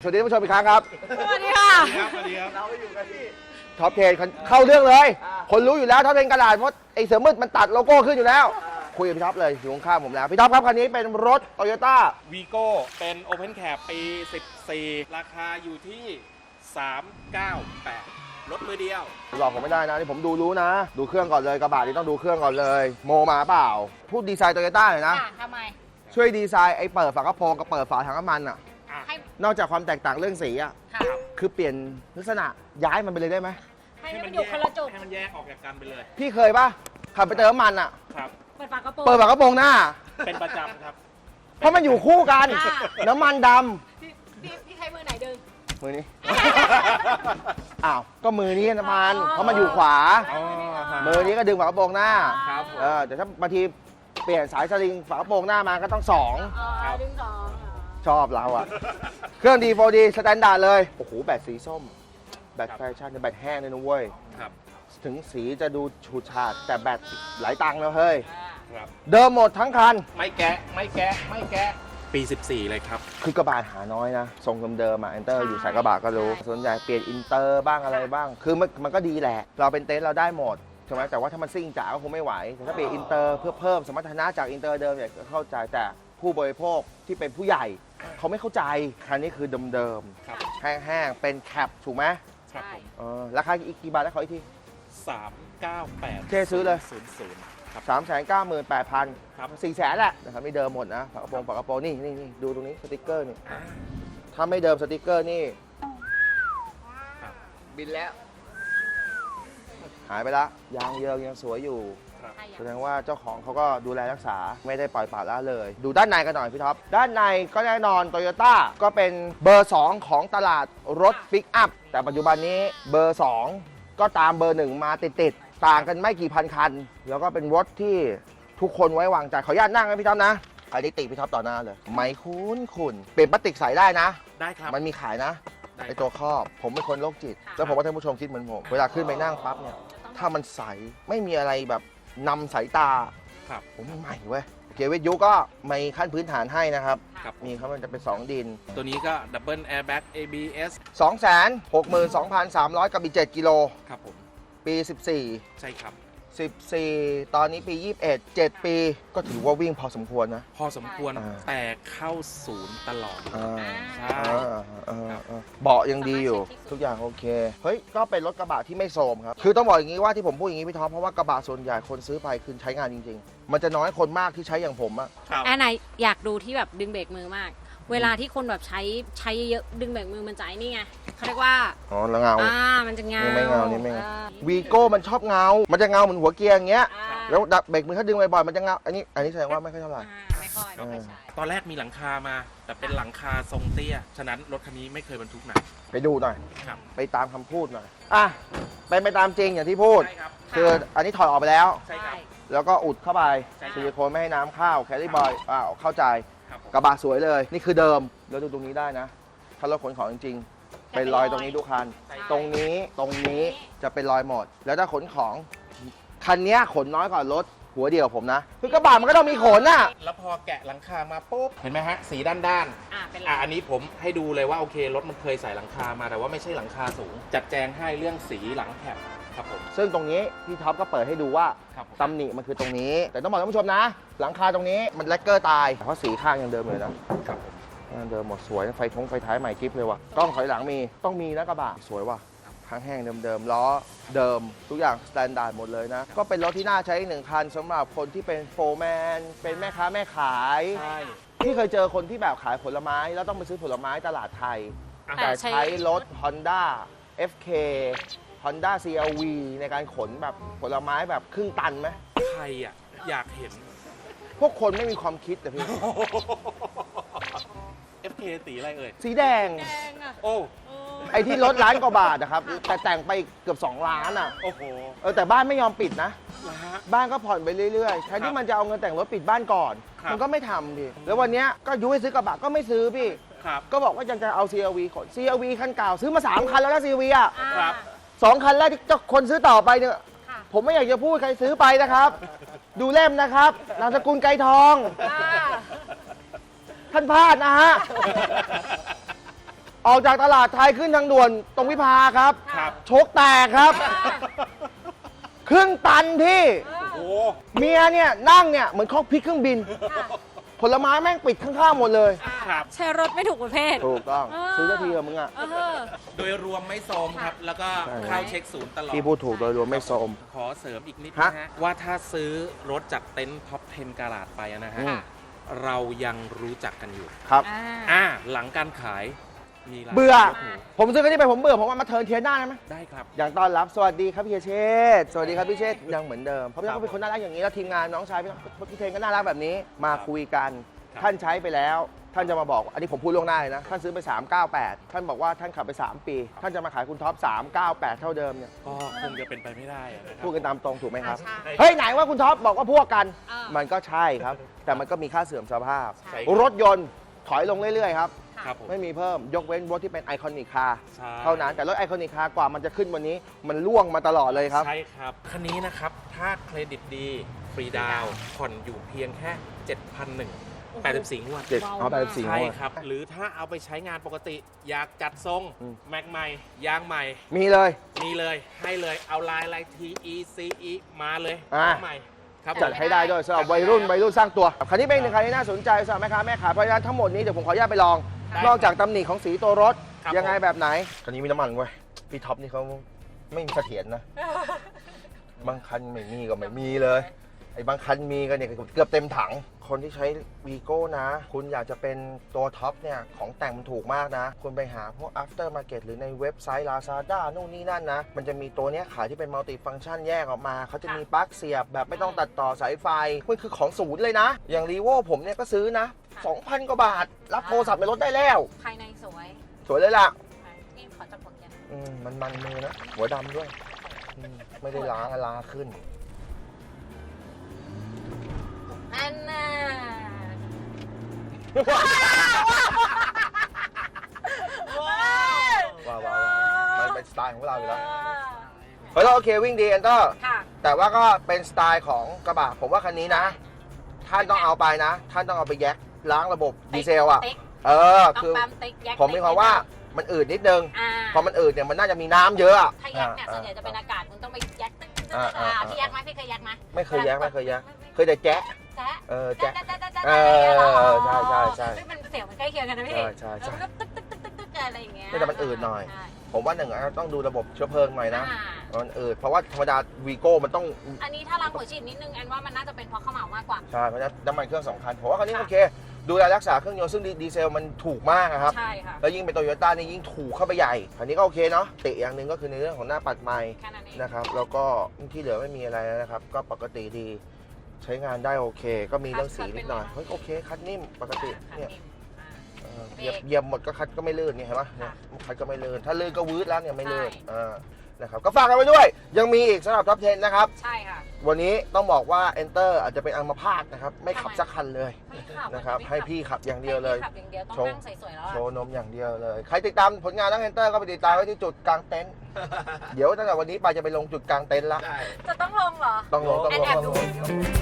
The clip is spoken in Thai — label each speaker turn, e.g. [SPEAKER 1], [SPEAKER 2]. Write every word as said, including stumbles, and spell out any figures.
[SPEAKER 1] วัสดีท่านผู้ชมอีกครั้งครับ
[SPEAKER 2] สวัสดีค่ะ
[SPEAKER 3] สวัสดีครับ
[SPEAKER 1] เราอยู่กันที่ท็อปเทนเข้าเรื่องเลย คนรู้อยู่แล้วท็อปเทนกระดาษเพราะไอ้เสือมืดมันตัดโลโก้ขึ้นอยู่แล้ว คุยกับพี่ท็อปเลยอยู่ข้างๆผมแล้วพี่ท็อปครับคันนี้เป็นรถโตโยต้า
[SPEAKER 3] วีโก้เป็น Open Cab ปี สิบสี่ ราคาอยู่ที่ สามพันเก้าร้อยแปด รถมือเดียว
[SPEAKER 1] หลอกผมไม่ได้นะนี่ผมดูรู้นะ ดูเครื่องก่อนเลยกระบะนี่ต้องดูเครื่องก่อนเลย โมมาเปล่า พูดดีไซน์โตโยต้าหน่อยนะ
[SPEAKER 2] ค่ะทำไม
[SPEAKER 1] ช่วยดีไซน์ไอ้เปิดฝากระโปรงกับเปิดฝาถังน้ำมันอ่ะ
[SPEAKER 2] ให้
[SPEAKER 1] นอกจากความแตกต่างเรื่องสีอ่ะ
[SPEAKER 2] ค่ะ
[SPEAKER 1] คือเปลี่ยนลักษณะย้ายมันไปเลยได้ไหม
[SPEAKER 2] ให้มันอยู่คนละจุด
[SPEAKER 3] ให้มันแยกออกจากกันไปเลย
[SPEAKER 1] พี่เคยปะขับไปเติมน้ำมันอ่ะ
[SPEAKER 3] ครับ
[SPEAKER 2] เปิดฝากระโปรง
[SPEAKER 1] เปิดฝากระโปรงหน้า
[SPEAKER 3] เป็นประจำครับ
[SPEAKER 1] เพราะมันอยู่คู่กัน
[SPEAKER 2] อ่า
[SPEAKER 1] น้ำมันด
[SPEAKER 2] พี่พี่พี่ใช้มือไหนดึง
[SPEAKER 1] ำมือนี้ อ้าวก็มือนี้น้ำมัน
[SPEAKER 2] อ๋อ
[SPEAKER 1] เพราะมันอยู่ขวา
[SPEAKER 3] อ๋อฮะ
[SPEAKER 1] มือนี้ก็ดึงฝากระโปรงหน้า
[SPEAKER 3] ครับ
[SPEAKER 1] เออแต่ถ้าบางทีเปลี่ยนสายสลิงฝากระโปรงหน้ามาก็ต้องสอง
[SPEAKER 2] อ๋อ
[SPEAKER 3] ครับ
[SPEAKER 2] ดึงสองอ๋อ
[SPEAKER 1] ชอบเราอะ เครื่องดีโฟดีสแตนดาร์ดเลย โอ้โห แบตสีส้ม แบตแฟชั่นแบตแห้งเลยนะเว้ย
[SPEAKER 3] ครับ
[SPEAKER 1] ถึงสีจะดูฉูดฉาด แต่แบตหลายตังค์แล้วเฮ้ย
[SPEAKER 3] ครับ
[SPEAKER 1] เดิมหมดทั้งคัน
[SPEAKER 3] ไม่แกะ ไม่แกะ ไม่แกะ ปี สิบสี่ เลยครับ
[SPEAKER 1] คือกระบะหาน้อยนะ ทรงเดิมๆอะเอนเตอร์อยู่สายกระบะก็รู้ ส่วนใหญ่เปลี่ยนอินเตอร์บ้างอะไรบ้าง คือมันมันก็ดีแหละ เราเป็นเต็นท์เราได้หมดใช่ไหมแต่ว่าถ้ามันซิ่งจ๋าก็คงไม่ไหวแต่ถ้าเปลี่ยนอินเตอร์เพื่อเพิ่มสมรรถนะจากอินเตอร์เดิมเนี่ยก็เข้าใจแต่ผู้บริโภคที่เป็นผู้ใหญ่เขาไม่เข้าใจคันนี้คือเดิม
[SPEAKER 3] ครับ
[SPEAKER 1] ๆแห้งๆเป็นแคปถูกไหม
[SPEAKER 3] ครับผม
[SPEAKER 1] เออราคาอีกกี่บาทแล้วขออีกที
[SPEAKER 3] สามเก้าแปด
[SPEAKER 1] เท่ซื้อเลย
[SPEAKER 3] ศูนย์ศูนย์ครับ
[SPEAKER 1] สามแสนเก้าหมื่นแปดพัน
[SPEAKER 3] ครับ
[SPEAKER 1] สี่แสนแหละนะครับไม่เดิมหมดนะฝากระโปรงฝากระโปรงนี่นี่นี่ดูตรงนี้สติกเกอร์นี่ถ้าไม่เดิมสติกเกอร์นี่
[SPEAKER 3] ครับ
[SPEAKER 1] บินแล้ว หายไปละยางเยิงยังสวยอยู่
[SPEAKER 3] ครับ
[SPEAKER 2] ใช่
[SPEAKER 1] แสดงว่าเจ้าของเขาก็ดูแลรักษาไม่ได้ปล่อยปละละเลย ดูด้านในกันหน่อยพี่ท็อป ด้านในก็แน่นอนโตโยต้าก็เป็นเบอร์ สอง ของตลาดรถปิกอัพ แต่ปัจจุบันนี้เบอร์ สอง ก็ตามเบอร์ หนึ่ง มาติดๆต่างกันไม่กี่พันคัน แล้วก็เป็นรถที่ทุกคนไว้วางใจขออนุญาตนั่งนะพี่ท็อปนะอันนี้ติพี่ท็อปต่อหน้าเลย ไม่คุ้นคุณเปลี่ยนพลาสติกใส่ได้นะ
[SPEAKER 3] ได้ครับ
[SPEAKER 1] มันมีขายนะ
[SPEAKER 3] ได้
[SPEAKER 1] ไอตัวครอบ ผมเป็นคนโรคจิต แล้วผมว่าท่านผู้ชมคิดเหมือนผม เวลาขึ้นไปนั่งปั๊บเนี่ย ถ้ามันใส ไม่มีอะไรแบบนำสายตา
[SPEAKER 3] ครับ
[SPEAKER 1] ผมใหม่เว้ยเกียร์วิทยุก็มีขั้นพื้นฐานให้นะครับ
[SPEAKER 3] ครับ
[SPEAKER 1] มีครับมันจะเป็น สอง ดิน
[SPEAKER 3] ตัวนี้ก็ Double Airbag เอ บี เอส
[SPEAKER 1] สองแสนหกหมื่นสองพันสามร้อย กับอีกเจ็ดกิโล
[SPEAKER 3] ครับผม
[SPEAKER 1] ปี สิบสี่
[SPEAKER 3] ใช่ครับ
[SPEAKER 1] สิบสี่ ตอนนี้ปี ยี่สิบเอ็ด เจ็ด ปี ก็ถือว่าวิ่งพอสมควรนะ
[SPEAKER 3] พอสมควร
[SPEAKER 1] อ่า
[SPEAKER 3] แต่เข้าศูนย์ตลอด
[SPEAKER 1] อ่า
[SPEAKER 3] ใช่
[SPEAKER 1] อ่าอ่าอ่าเบาะยังดีอยู่ ทุกอย่างโอเค เฮ้ย ก็เป็นรถกระบะที่ไม่โทรมครับ คือต้องบอกอย่างนี้ว่าที่ผมพูดอย่างนี้พี่ท็อปเพราะว่ากระบะส่วนใหญ่คนซื้อไปคือใช้งานจริง ๆ มันจะน้อยคนมากที่ใช้อย่างผมอะ
[SPEAKER 3] ครับ
[SPEAKER 2] อันไหนอยากดูที่แบบดึงเบรกมือมาก เวลาที่คนแบบใช้ใช้เยอะๆดึงเบรกมือมันจะไอ้นี่ไงเขาเรียกว่า
[SPEAKER 1] อ๋อแล้วเงา
[SPEAKER 2] อ่ามันจะเงา
[SPEAKER 1] นี่ไม่เงานี่ไม่เงา
[SPEAKER 2] อ่
[SPEAKER 1] วีโก้มันชอบเงา มันจะเงาเหมือนหัวเกียร์อย่างเงี้ย
[SPEAKER 2] อ่า
[SPEAKER 1] แล้วดับเบรกมือถ้าดึงบ่อยๆมันจะเงา อันนี้ อันนี้แสดงว่าไม่ค่อยเท่าไหร่
[SPEAKER 2] อ่าไม่ค่อยไม่ค่อยใช่
[SPEAKER 3] ตอนแรกมีหลังคามา แต่เป็นหลังคาทรงเตี้ย ฉะนั้นรถคันนี้ไม่เคยบรรทุกหนัก
[SPEAKER 1] ไปดูหน่อย
[SPEAKER 3] ครับ
[SPEAKER 1] ไปตามคำพูดหน่อย อ่ะ เป็นไปตามจริงอย่างที่พูด
[SPEAKER 3] ใช่ครับ
[SPEAKER 1] คืออันนี้ถอดออกไปแล้ว
[SPEAKER 3] ใช่ครับ
[SPEAKER 1] แล้วก็อุดเข้าไป
[SPEAKER 3] ใช่ครับ
[SPEAKER 1] ซิลิโคนไม่ให้น้ำเข้า แคลรี่บอยอ้าวเข้าใจ
[SPEAKER 3] ครับผม
[SPEAKER 1] กระบะสวยเลย นี่คือเดิม แล้วดูตรงนี้ได้นะ ถ้ารถขนของจริงๆ เป็นรอยตรงนี้ทุกคัน
[SPEAKER 3] ใช่
[SPEAKER 1] ตรงนี้ ตรงนี้จะเป็นรอยหมด แล้วถ้าขนของ คันเนี้ยขนน้อยกว่ารถหัวเดียวผมนะ คือกระบะมันก็ต้องมีขนน่ะ
[SPEAKER 3] แล้วพอแกะหลังคามาปุ๊บ เห็นไหมฮะ สีด้านด้าน
[SPEAKER 2] อ่าเป็น
[SPEAKER 3] ๆอ่ะอันนี้ผมให้ดูเลยว่าโอเค รถมันเคยใส่หลังคามา แต่ว่าไม่ใช่หลังคาสูง จัดแจงให้เรื่องสีหลังแคปครับผม
[SPEAKER 1] ซึ่งตรงนี้พี่ท็อปก็เปิดให้ดูว่า
[SPEAKER 3] ครับผม
[SPEAKER 1] ตำหนิมันคือตรงนี้ แต่ต้องบอกท่านผู้ชมนะ หลังคาตรงนี้มันแลกเกอร์ตาย เพราะสีข้างยังเดิมเลยนะครับ
[SPEAKER 3] ผม
[SPEAKER 1] ยังเดิมหมดสวย ไฟท้องไฟท้ายใหม่กิ๊บเลยว่ะกล้องถอยหลังมีต้องมีนะกระบะสวยว่ะทั้งแห้งเดิมๆล้อเดิมทุกอย่างสแตนดาร์ดหมดเลยนะ ก็เป็นรถที่น่าใช้อีกหนึ่งคันสำหรับคนที่เป็นโฟร์แมนเป็นแม่ค้าแม่ขาย
[SPEAKER 3] ใช่
[SPEAKER 1] ที่เคยเจอคนที่แบบขายผลไม้แล้วต้องไปซื้อผลไม้ตลาดไทย แต่ใช้รถ Honda เอฟ เค Honda ซี อาร์ วี ในการขนแบบผลไม้แบบครึ่งตันไหม
[SPEAKER 3] ใครอ่ะ อยากเห็น
[SPEAKER 1] พวกคนไม่มีความคิดแต่พี่
[SPEAKER 3] เอฟ เค สีอะไรเอ่ย
[SPEAKER 1] สีแดง
[SPEAKER 2] แดงอ่ะ
[SPEAKER 3] โอ้
[SPEAKER 2] เออ
[SPEAKER 1] ไอ้ที่รถล้านกว่าบาทนะครับ แต่แต่งไปเกือบสองล้านอ่ะ
[SPEAKER 3] โอ้โห
[SPEAKER 1] เออแต่บ้านไม่ยอมปิดนะ
[SPEAKER 3] นะฮะ
[SPEAKER 1] บ้านก็ผ่อนไปเรื่อยๆแทนที่มันจะเอาเงินแต่งรถปิดบ้านก่อน
[SPEAKER 3] ครับ
[SPEAKER 1] มันก็ไม่ทำพี่แล้ววันเนี้ยก็ยุให้ซื้อกระบะก็ไม่ซื้อพี่
[SPEAKER 3] ครับ
[SPEAKER 1] ก็บอกว่ายังจะเอา ซี อาร์ วี ขน ซี อาร์ วี คันเก่าซื้อมาสามคันแล้วนะ ซี อาร์ วี อ่ะ
[SPEAKER 2] อ่า
[SPEAKER 3] ครับ
[SPEAKER 1] สองคันแรกที่เจ้าคนซื้อต่อไปเนี่ย
[SPEAKER 2] ค่ะ
[SPEAKER 1] ผมไม่อยากจะพูดใครซื้อไปนะครับ ดูเล่มนะครับนามสกุลไกรทอง
[SPEAKER 2] อ่า
[SPEAKER 1] ท่านพลาดนะฮะออกจากตลาดไทยขึ้นทางด่วนตรงวิภาครับ
[SPEAKER 3] ครับ
[SPEAKER 1] โชคแตกครับ ครึ่งตันพี่
[SPEAKER 3] โอ้
[SPEAKER 1] เมียเนี่ยนั่งเนี่ยเหมือนคอกพิกเครื่องบิน ผลไม้แม่งปิดข้างๆหมดเลย
[SPEAKER 3] ครับ
[SPEAKER 2] ใช้รถไม่ถูกประเภท
[SPEAKER 1] ถูกต้อง
[SPEAKER 2] เออ
[SPEAKER 1] ซื้อสักทีเถอะมึงอ่ะ
[SPEAKER 2] เออ
[SPEAKER 3] โดยรวมไม่โซมครับ แล้วก็
[SPEAKER 1] ใช่
[SPEAKER 3] เข้าเช็คศูนย์ตลอด
[SPEAKER 1] พี่พูดถูกโดยรวมไม่โทรม
[SPEAKER 3] ขอเสริมอีกนิด
[SPEAKER 1] ฮะ
[SPEAKER 3] นะฮะ ว่าถ้าซื้อรถจากเต็นท์ท็อปสิบกาลาดไปนะฮะ
[SPEAKER 1] อืม
[SPEAKER 3] เรายังรู้จักกันอยู่
[SPEAKER 1] ครับ
[SPEAKER 2] อ่า
[SPEAKER 3] อ่า หลังการขายมีร้าน
[SPEAKER 1] เบื่อ
[SPEAKER 3] รถหรู
[SPEAKER 1] ผมซื้อคันนี้ไปผมเบื่อผมว่ามาเทิร์นเทียนหน้าได้ไหม
[SPEAKER 3] ได้ครับ
[SPEAKER 1] อย่างต้อนรับสวัสดีครับพี่เชษฐ์สวัสดีครับพี่เชษฐ์ยังเหมือนเดิมเพราะพี่เขาเป็นคนน่ารักอย่างนี้แล้วทีมงานน้องชายพี่พี่เทนก็น่ารักแบบนี้มาคุยกัน
[SPEAKER 3] ครับ
[SPEAKER 1] ท่านใช้ไปแล้ว ท่านจะมาบอกอันนี้ผมพูดล่วงหน้าเลยนะท่านซื้อไปสามเก้าแปดท่านบอกว่าท่านขับไปสามปี ท่านจะมาขายคุณท็อปสามเก้าแปดเท่าเดิมเนี่ย
[SPEAKER 3] ก็คงจะเป็นไปไม่ได้อะนะครับ
[SPEAKER 1] พูดกันตามตรงถูกไหมครับ
[SPEAKER 2] อ่าใช่
[SPEAKER 1] เฮ้ยไหนว่าคุณท็อปบอกว่าพวกกัน
[SPEAKER 2] เออ
[SPEAKER 1] มันก็ใช่ครับ แต่มันก็มีค่าเสื่อมสภาพ
[SPEAKER 3] ใช่
[SPEAKER 1] รถยนต์ถอยลงเรื่อยๆครับ
[SPEAKER 3] ครับผม
[SPEAKER 1] ไม่มีเพิ่มยกเว้นรถที่เป็นไอคอนิกคาร์
[SPEAKER 3] ใช่
[SPEAKER 1] เท่านั้นแต่รถไอคอนิกคาร์กว่ามันจะขึ้นวันนี้มันล่วงมาตลอดเลยครับ
[SPEAKER 3] ใช่ครับ คันนี้นะครับ ถ้าเครดิตดี ฟรีดาวน์ผ่อนอยู่เพียงแค่ เจ็ดพันหนึ่งร้อยแปดสิบสี่ งวด
[SPEAKER 1] เจ็ดเอาไปสี่
[SPEAKER 3] ใช่
[SPEAKER 1] งวด
[SPEAKER 3] ครับ หรือถ้าเอาไปใช้งานปกติ อยากจัดทรง
[SPEAKER 1] อืม
[SPEAKER 3] แม็กใหม่ ยางใหม่
[SPEAKER 1] มีเลย
[SPEAKER 3] มีเลย ให้เลย เอาลายลาย ที อี ซี อี มาเลย
[SPEAKER 1] อ่า
[SPEAKER 3] ใหม่ ครับ
[SPEAKER 1] จัดให้ได้ด้วยสำหรับวัยรุ่นวัยรุ่นสร้างตัวคันนี้เป็นหนึ่งคันที่น่าสนใจสำหรับแม่ค้าแม่ขายเพราะฉะนั้นทั้งหมดนี้เดี๋ยวผมขออนุญาตไปลอง
[SPEAKER 3] ได้
[SPEAKER 1] นอกจากตำหนิของสีตัวรถ
[SPEAKER 3] ครับ
[SPEAKER 1] ยังไง
[SPEAKER 3] ผม
[SPEAKER 1] แบบไหนคันนี้มีน้ำมันเว้ยพี่ท็อปนี่เขาไม่มีเสถียรนะ บางคันไม่มีก็ไม่มีเลยไอ้บางคันมีกันเนี่ยเกือบเต็มถัง คนที่ใช้วีโก้นะ คุณอยากจะเป็นตัวท็อปเนี่ยของแต่งมันถูกมากนะ คุณไปหาพวก after market หรือในเว็บไซต์ Lazada นู่นนี่นั่นนะ มันจะมีตัวเนี้ยขายที่เป็นมัลติฟัง c t ชันแยกออกมา เขาจะมีปลั๊กเสียบแบบไม่ต้องตัดต่อสายไฟมันคือของศูนย์เลยนะ อย่างรีโวผมเนี่ยก็ซื้อนะ สองพัน กว่าบาท รับโทรศัพท์ในรถได้แล้ว
[SPEAKER 2] ภายในสวย
[SPEAKER 1] สวยเลยล่ะ
[SPEAKER 2] นี่ขอจับผลกัน
[SPEAKER 1] อืมมันมันมือนะ หัวดำด้วยอืมไม่ได้ล้างลาขึ้น
[SPEAKER 2] อันน่ะ
[SPEAKER 1] ว้าวว้าวมันเป็นสไตล์ของเราอยู่แล้วเฮ้ยเราโอเควิ่งดีแอนเตอร์
[SPEAKER 2] ค่ะ
[SPEAKER 1] แต่ว่าก็เป็นสไตล์ของกระบะผมว่าคันนี้นะ ท่านต้องเอาไปนะ ท่านต้องเอาไปแยกล้างระบบดีเซลอ่ะ
[SPEAKER 2] ติ๊ก
[SPEAKER 1] เออ
[SPEAKER 2] ต้อง
[SPEAKER 1] คือ
[SPEAKER 2] ปั๊มติ๊กแยก
[SPEAKER 1] ผมมีความว่ามันอืดนิดนึง
[SPEAKER 2] อ่า
[SPEAKER 1] พอมันอืดเนี่ยมันน่าจะมีน้ำเยอะอะ
[SPEAKER 2] ถ้าแยกเนี่ยส่วนใหญ่จะเป็นอากาศคุณต้องไปแยกตึ๊กตึ๊กตึ๊ก
[SPEAKER 1] อ่า
[SPEAKER 2] อ่า
[SPEAKER 1] อ่า
[SPEAKER 2] พี่แยกไหมพี่เคยแยกไหม
[SPEAKER 1] ไม่เคยแยกไม่เคยแยกเคยแต่แจ๊ะ
[SPEAKER 2] แจ๊ะ
[SPEAKER 1] เออ
[SPEAKER 2] แจ๊ะ
[SPEAKER 1] แจ๊ะ
[SPEAKER 2] แจ๊ะแจ๊ะแจ๊ะ
[SPEAKER 1] เออใช่ใช่ใช่
[SPEAKER 2] เฮ้ยมันเสียงมันใกล้เคียงกันนะพี่
[SPEAKER 1] ใช่ใช่ใช่
[SPEAKER 2] แล้วมันก็ตึ๊กตึ๊กตึ๊กตึ๊กตึ๊กอะไรอย่างเงี้ย
[SPEAKER 1] แต่มันอืดหน่อย
[SPEAKER 2] ใช่
[SPEAKER 1] ผมว่าหนึ่งอะต้องดูระบบเชื้อเพลิงหน่อยนะ
[SPEAKER 2] อ่า
[SPEAKER 1] มันอืดเพราะว่าธรรมดาวีโก้มันต้อง
[SPEAKER 2] อันนี้ถ้าล้างหัวฉีดนิดนึงแอนว่ามันน่าจะเป็นเพราะข้าวเหมามากกว่า
[SPEAKER 1] ใช่เพราะฉะนั้นน้ำมันเครื่องสำคัญผมว่าคันนี้โอเค ดูแลรักษาเครื่องยนต์ซึ่งดีเซลมันถูกมากอะครับ
[SPEAKER 2] ใช่ค่ะ
[SPEAKER 1] แล้วยิ่งเป็นโตโยต้านี่ยิ่งถูกเข้าไปใหญ่คันนี้ก็โอเคเนาะติอย่างหนึ่งก็คือในเรื่องของหน้าปัดไม้
[SPEAKER 2] แค่นั้นเอง
[SPEAKER 1] นะครับแล้วก็ที่เหลือไม่มีอะไรแล้วนะครับ ก็ปกติดีใช้งานได้โอเค ก็มีเรื่องสีนิดหน่อยเฮ้ยโอเคคัดนิ่มปกติเนี่ยเออเหยียบเหยียบหมดก็คัดก็ไม่ลื่นเนี่ยเห็นปะเนี่ยคัดก็ไม่ลื่นถ้าลื่นก็วืดแล้วเนี่ยไม่ลื่นอ่านะครับก็ฝากกันไว้ด้วย ยังมีอีกสำหรับท็อปสิบนะครับ
[SPEAKER 2] ใช่ค่ะ
[SPEAKER 1] วันนี้ต้องบอกว่า Enter อาจจะเป็นอัมพาตนะครับไม่ขับ
[SPEAKER 2] ทำไม
[SPEAKER 1] สักคันเลย
[SPEAKER 2] ไม่ขับ
[SPEAKER 1] นะครับ
[SPEAKER 2] ไม่ขั
[SPEAKER 1] ให้พี่ขับอย่างเดียวเลย
[SPEAKER 2] ให้พี่ขับอย่างเดียวต้อง
[SPEAKER 1] โชว์
[SPEAKER 2] นั่งสวยๆแล้ว
[SPEAKER 1] โช
[SPEAKER 2] อะ
[SPEAKER 1] ว์นมอย่างเดียวเลย ใครติดตามผลงานน้อง Enter ก็ไปติดตามไว้ที่จุดกลางเต็นท์ เดี๋ยวตั้งแต่วันนี้ไปจะไปลงจุดกลางเต็นท์ละ
[SPEAKER 3] ได้
[SPEAKER 2] จะต้องลงเหรอ
[SPEAKER 1] ต้องลงต้อง
[SPEAKER 2] แอน
[SPEAKER 1] ลง
[SPEAKER 2] แอบ
[SPEAKER 1] ต้อง
[SPEAKER 2] ดู
[SPEAKER 1] ลง